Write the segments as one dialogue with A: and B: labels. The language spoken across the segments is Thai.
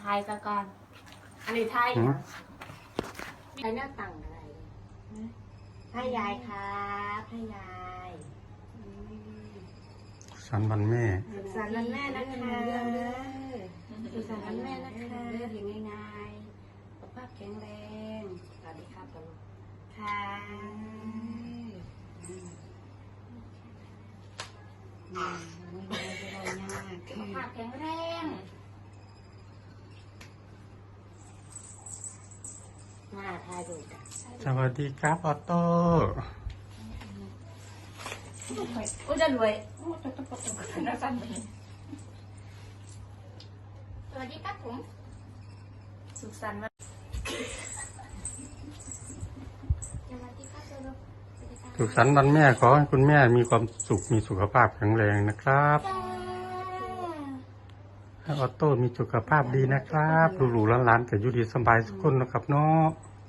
A: ายซะก่อนอันนี้ทายเหรอใช้หน้าต่างอะไรให้ยายครับให้ยาย
B: สันวันแม่
A: สุขสันต์วันแม่นะคะสุขสันต์วันแม่นะคะเรียกง่ายๆสุขภาพแข็งแรงสวัสดีครับตลอดค่ะสุขภาพแข็งแรงมาทายดูกัน
B: สวัสดีครับออโต้
A: โอ้จะรวยโอ้จะต้องประสบการณ์น่าสั่นเลยสวัสดีครับผมสุขสันต์วันสวัสดีครับลูก
B: สุขสันต์วันแม่ขอให้คุณแม่มีความสุขมีสุขภาพแข็งแรงนะครับให้ออโต้มีสุขภาพดีนะครับหลูๆหลานๆแต่อยู่ดีสบายทุกคนนะครับเนาะ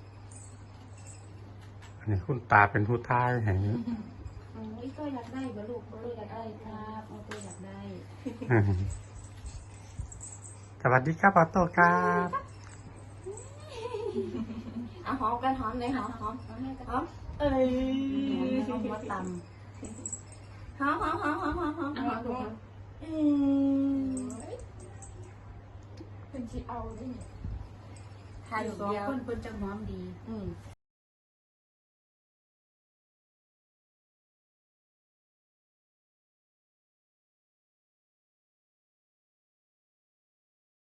B: อันนี้คุณตาเป็นผู้ท้ายให้
A: อีกก็อยากได้บ่ลูกบ่ลูกอยากได้ครับอีกก็อยากได้
B: สวัสดีครับออโต้ครับ
A: เอาหอมกันหอมเลยหอมหอมให้กันหอมเอ้ยหอมมาตำหอมหอมหอมหอมหอมหอมหอมดูเป็นชีเอาด้วยทายอยู่เดียวคนจะหอมดี